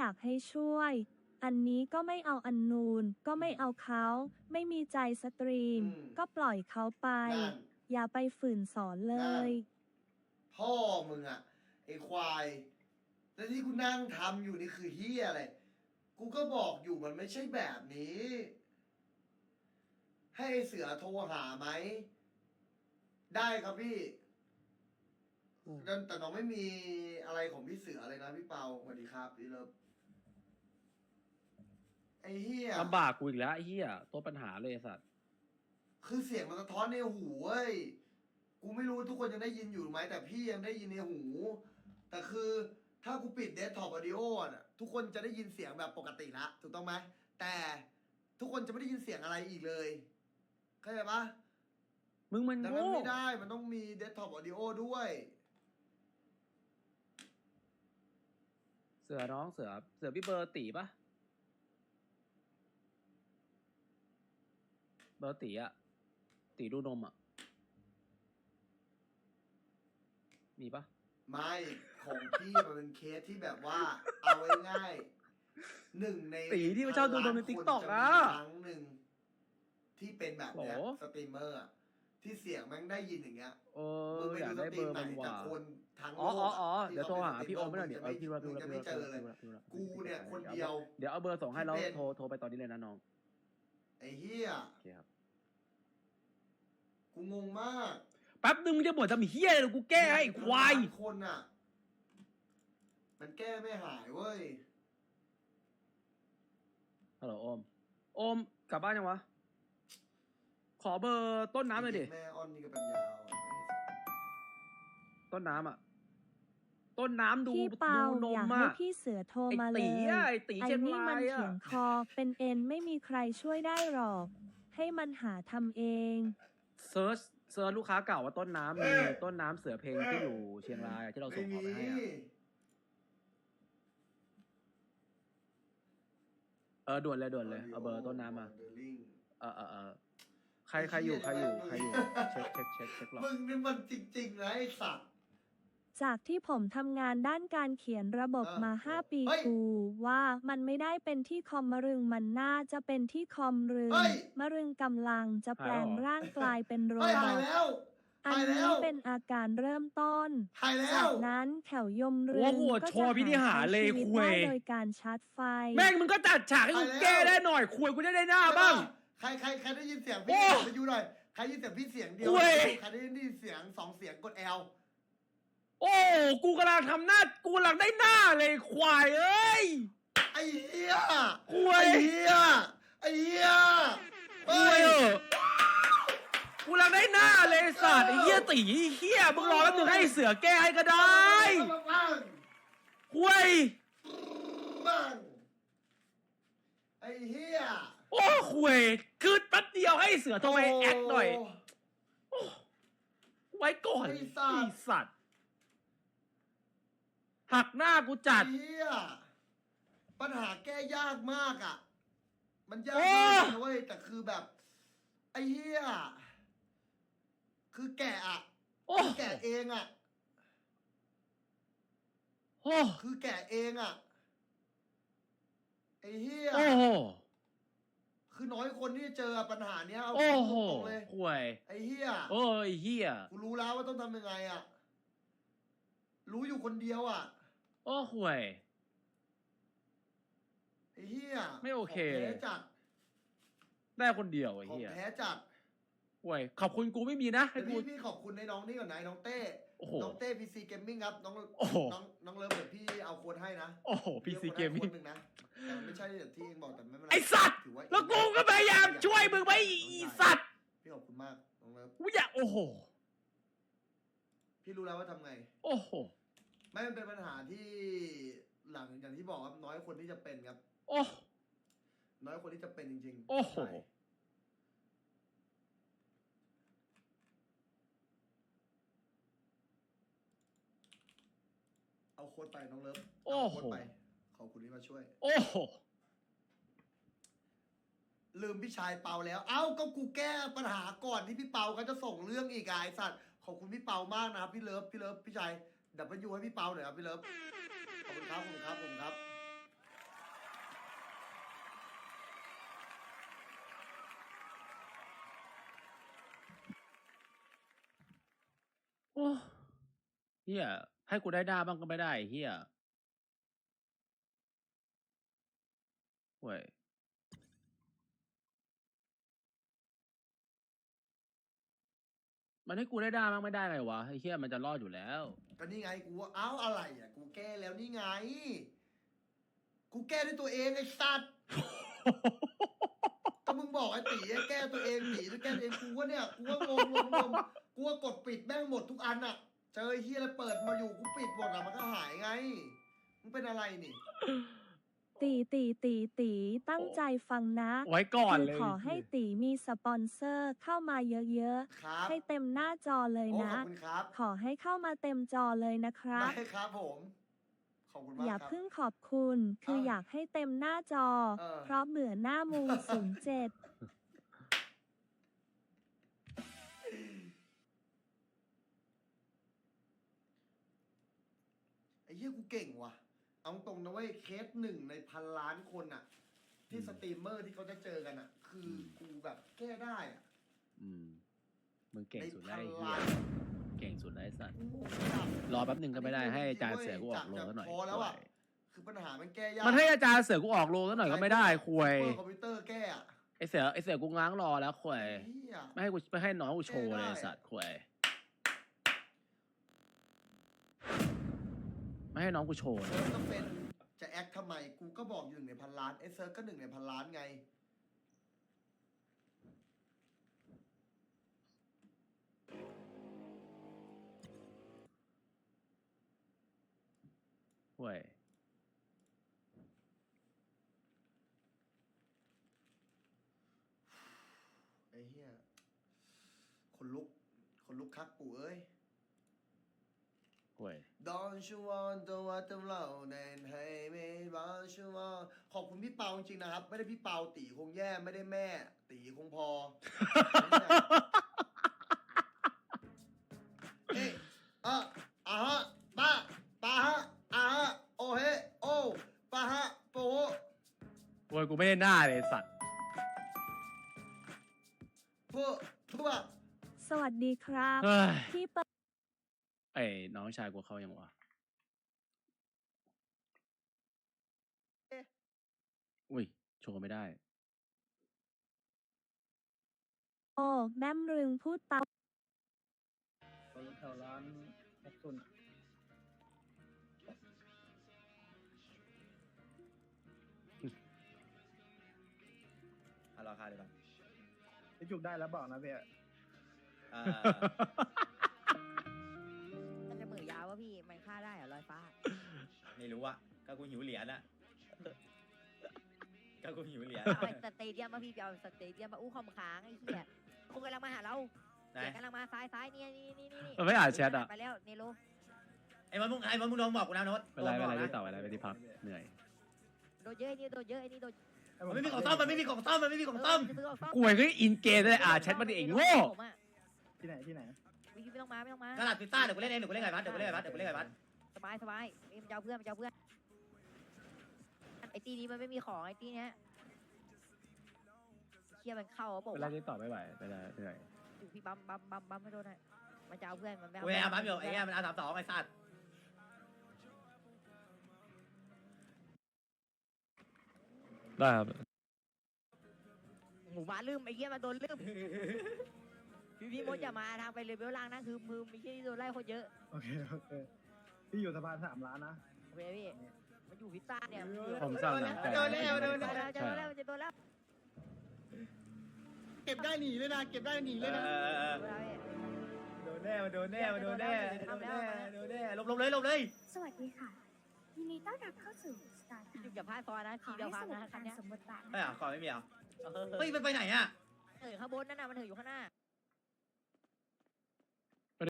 อยากให้ช่วยอันนี้ก็ไม่เอาอันนูนก็ไม่เอาเขาไม่มีใจสตรีมก็ปล่อยเขาไปอย่าไปฝืนสอนเลยพ่อมึงอะไอควายแล้วที่กูนั่งทำอยู่นี่คือเฮียอะไรกูก็บอกอยู่มันไม่ใช่แบบนี้ให้เสือโทรหาไหมได้ครับพี่แต่น้องไม่มีอะไรของพี่เสือเลยนะพี่เปาสวัสดีครับพี่เลิฟไอ้เฮียลำบากกูอีกแล้วไอ้เหี้ยตัวปัญหาเลยสัตว์คือเสียงมันสะท้อนในหูเว้ยกูไม่รู้ทุกคนยังได้ยินอยู่ไหมแต่พี่ยังได้ยินในหูแต่คือถ้ากูปิดเดสก์ท็อปออดิโอน่ะทุกคนจะได้ยินเสียงแบบปกติละถูกต้องไหมแต่ทุกคนจะไม่ได้ยินเสียงอะไรอีกเลยเข้าใจปะมึงมันดังโง่นั้นไม่ได้มันต้องมีเดสก์ท็อปออดิโอด้วยเสือน้องเสือพี่เบอร์ตีปะเบอร์ตีอะตีดูนมอะมีปะไม่ของพี่มันเป็นเคสที่แบบว่าเอาไว้ง่ายหนึ่งในตีที่ไม่ชอบดูนมในติ๊กต็อกอะครั้งหนึ่งที่เป็นแบบเนี้ยสตรีมเมอร์อะที่เสียงแม่งได้ยินอย่างเงี้ยมึงไปอยาดูกสได้ตเบรีอมร์ไหนมันแต่ว่าคนทั้งโลอ๋อกอะเดี๋ยวโทรหาพี่โอมไม่หน่อยเดี๋ยวพี่ว่าจะไม่เจอเลยกูเนี่ยคนเดียวเดี๋ยวเอาเบอร์ส่งให้แล้วโทรไปตอนนี้เลยนะน้องไอ้เหี้ยโอเคครับกูงงมากแป๊บนึงมึงจะบ่นทำเหี้ยเลยกูแก้ให้ควายคนอ่ะมันแก้ไม่หายเว้ยฮัลโหลโอมกลับบ้านยังวะขอเบอร์ต้นน้ำหน่อยดิแม่อ้อนนี่ก็เป็นยาวต้นน้ำอ่ะต้นน้ำดูพี่เปาดูนอยากมให้อ่ะพี่เสือโทรมาเลไอ้ตียอะไอ้ตีเชียงนี่รามันยเถียอ่ะงคอเป็นเอ็นไม่มีใครช่วยได้หรอก ให้มันหาทำเองเซิร์ชลูกค้าเก่าว่าต้นน้ำมีต้นน้ำเสือเพลงที่อยู่เชียงรายที่เราส่งของไปให้อ่ะด่วนเลยเอาเบอร์ต้นน้ำมาใครอยู่เช็คหรอมึงนี่มันจริงๆนะไอ้สัตว์จากที่ผมทำงานด้านการเขียนระบบมา 5 ปีเฮ้ยกูว่ามันไม่ได้เป็นที่คอมมะรึงมันน่าจะเป็นที่คอมรึงเฮ้ยมะรึงกำลังจะแปลงร่างกลายเป็นโรหายบอทแล้วอันหายแล้นี้วเป็นอาการเริ่มต้นหายแล้จาว กนั้นแถวยมรึโอ้งโหก็โชว์พิธีหารเลยชีวิตคุยได้โดยการชาร์จไฟแม่งมึงก็จัดฉากให้กูแก้ได้หน่อยคุยกูได้หน้าบ้างใครได้ยินเสียงโอ้พี่ไปอยู่หน่อยใครได้ยินเสียงพี่เสียงเดียวเว้ยใครได้ยินเสียง2 เสียงกด L โอ้กูกำลังทำหน้ากูกำลังได้หน้าเลยควายเอ้ยไอ้เหี้ยคุยไอ้เหี้ยไอ้เหี้ยคุยเออกูกำลังได้หน้าเลยสัตว์ไอ้เหี้ยตีเหี้ยมึงรอแป๊บนึงให้เสือแก้ให้ก็ได้บ้างคุยบ้างไอ้เหี้ยโอ้คุยคือแป๊บเดียวให้เสือโทรไปแอคหน่อยโอ้ไว้ก่อนไอ้สัตว์หักหน้ากูจัดไอ้เหี้ยปัญหาแก้ยากมากอ่ะ มันยากโอ้มากนะเว้ยแต่คือแบบไอ้เหี้ยคือแกะอ่ะโอ้แกะเองอ่ะโอ้คือแกะเองอ่ะไอ้เหี้ยโอ้โหคือน้อยคนที่จะเจอปัญหาเนี้ยเอาโอ้โหตรงๆเลยคุยไอ้เหี้ยโอ้ยเหี้ยกูรู้แล้วว่าต้องทำยังไงอ่ะรู้อยู่คนเดียวอ่ะโอ้คุยไอ้เหี้ยไม่โอเคของแท้จัดได้คนเดียวไอ้ของเหี้ยแท้จัดคุยขอบคุณกูไม่มีนะให้แต่กูพี่ขอบคุณในน้องนี่ก่อนนะน้องเต้โอ้โหน้องเต้พีซีเกมมิ่งครับน้องโอ้โหน้องเลิฟเดี๋ยวพี่เอาโค้ดให้นะโอ้โหพีซีเกมพี่มิ่งอาโค้ดให้คนหนึ่งนะแต่มันไม่ใช่อย่างที่เองบอกแต่ไม่เป็นไรไอสัตว์ถือว่าแล้วกูก็พยายามช่วยมึงไว้อีสัตว์พี่ขอบคุณมากน้องเลิฟกูอยากโอ้โหพี่รู้แล้วว่าทำไงโอ้โหไม่มันเป็นปัญหาที่หลังอย่างที่บอกครับน้อยคนที่จะเป็นครับโอ้น้อยคนที่จะเป็นจริงๆโอ้โหใช่เอาโค้ดไปน้องเลิฟโอ้เอาโหโค้ดไปขอบคุณที่มาช่วยโอ้โหลืมพี่ชายเปาแล้ว เอ้าก็กูแก้ปัญหาก่อนที่พี่เปาเขาจะส่งเรื่องอีกไอ้สัตว์ขอบคุณพี่เปามากนะครับพี่เลิฟพี่ชายดับเบิลยูให้พี่เปาหน่อยครับพี่เลิฟขอบคุณครับขอบคุณครับขอบคุณครับเฮียให้กูได้ด่าบ้างก็ไม่ได้เฮียเว้ยมันให้กูได้ด่าบ้างไม่ได้ไงวะไอ้เฮียมันจะรอดอยู่แล้วก็นี่ไงกูว่าเอ้าอะไรอ่ะกูแก้แล้วนี่ไง กูแก้ด้วยตัวเองไอ้สัตว์ ก็มึงบอกไอ้ตีให้แก้ตัวเองตีจะแก้ตัวเองกูว่าเนี่ยกูว่างงกูว่ากดปิดแม่งหมดทุกอันอ่ะ เจอไอ้เฮียอะไรเปิดมาอยู่กูปิดหมดอ่ะมันก็หายไงมึงเป็นอะไรนี่ตีตั้งใจฟังนะไว้ก่อนคือเลยขอให้ตีมีสปอนเซอร์เข้ามาเยอะครับๆ ให้เต็มหน้าจอเลยโอ้ขนะอบคุณครับขอให้เข้ามาเต็มจอเลยนะครับได้ครับผม ขอบคุณมากอย่าครับเพิ่งขอบคุณ คืออยากให้เต็มหน้าจอ เพราะเบื่อหน้ามู 07 ไอ้เหี้ยกูเก่งว่ะ เอาตรงนะเว้ยเคสหนึ่งในพันล้านคนอ่ะ ที่สตรีมเมอร์ที่เขาจะเจอกันอ่ะ คือกูแบบแก้ได้อ่ะอืมมึงเก่งในสุดพัแล้วนไอ้เฮียล้านเก่งสุดแล้วไอ้สัตว์กูงงจัดรอแป๊บหนึ่งก็ไม่ได้ให้อาจารย์เสือกูออกโรงซะหน่อยพอแล้วอ่ะ คือปัญหามันแก้ยากมันให้อาจารย์เสือกูออกโรงซะหน่อยก็ไม่ได้ควยเปิดคอมพิวเตอร์แก้อ่ะไอ้เสือกูง้างรอแล้วควยเหี้ยไม่ให้น้องกูโชว์เลยได้ไอ้สัตว์ควยไม่ให้น้องกูโชว์เลเซิยร์ฟก็เป็นจะแอคทำไม กูก็บอกอยู่หนึ่งในพันล้านไอ้เซิร์ฟก็หนึ่งในพันล้านไงควยไอ้เหี้ยคนลุกคักปู่เอ้ยควย Don't you want to want to love then hey me don't you want ขอบคุณพี่เปาจริงๆนะครับ ไม่ได้พี่เปาตีคงแย่ไม่ได้แม่ ตีคงพอ เอ๊ะฮะปาฮะโอเฮโอปาฮะโปควยกูไม่ได้หน้าเลยไอ้สัตว์พวกสวัสดีครับเฮ้ยพี่เปิดไอ้น้องชายกูเข้ายังวะอุ้ยโชว์ไม่ได้โอ้แม่มรึงพูดตามแถวร้านแอคซุนเอาราคาดีกว่าพี่จุกได้แล้วบอกนะพี่อ่ามันจะเหมือยาววะพี่ มันฆ่าได้เหรอลอยฟ้าไม่รู้อะก็กูหิวเหรียญอะก็กูหิวเหรียญเอาไอ้สเตเดียมมาพี่ไปเอาสเตเดียมมาอู้คอมค้างไอ้เหี้ยคงกำลังมาหาเราไหนเสียงกำลังมาซ้ายเนี่ยนี่มันไม่อ่านแชทอะไปแล้วเนโรไอ้มันมึงโดนบอกกูนะโน้ตเป็นไรโดนบอกที่นะต่อไปไปที่พักเหนื่อยโดนเยอะไอ้นี่โดนเยอะไอ้นี่โดนมันไม่มีของต้มมันไม่มีของต้มมันไม่มีของต้มจะซื้อออกซ่อมกูเองก็อินเกมเลยแชทมันเองโง่ผมอะที่ไหนที่ไหนวิไม่ต้องมากระดาษพิซซ่าเดี๋ยวกูเล่นเองเดี๋ยวกูเล่นไงวัดเดี๋ยวกูเล่นไงวัดเดี๋ยวกูเล่นไงวัดสบายนี่มันจะเอาเพื่อนไอ้ตีนี้มันไม่มีของไอ้ตีเนี้ยเชี่ยมันเข้าบอกเป็นไรว่าที่ต่อไม่ไหวไปเลยเหนื่อยอยู่พี่บัมไม่โดนให้มันจะเอาเพื่อนมันไม่กูเอาบัฟอยู่ไอ้เงี้ยมันเอา32ไอ้สัตว์ได้ครับหมู่บ้านลืมไอ้เหี้ยมันโดนลืมพี่มดอย่ามาทางไปเลยเบลล่างนะคือมือมีที่โดนไล่คนเยอะโอเคพี่อยู่สะพาน3 ล้านนะโอเคพี่มันอยู่พิซซ่าเนี่ยผมสร้างหนังแต่โดนแล้วจะโดนแล้วเก็บได้หนีเลยนะเก็บได้หนีเลยนะโดนแน่โดนแน่หลบเลยสวัสดีค่ะ ยินดีต้อนรับเข้าสู่สตาร์ทอย่าพลาดซอยนะขอทีเดียวให้พัสงนุกนะกับคักาน รเนี้ยสมบทบาทไม่นะอ่ะคะขอไม่มีอ่ะเฮ้ยมันไปไหนอ่ะข้างบนนั่นน่ะมันถืออยู่ข้างหน้า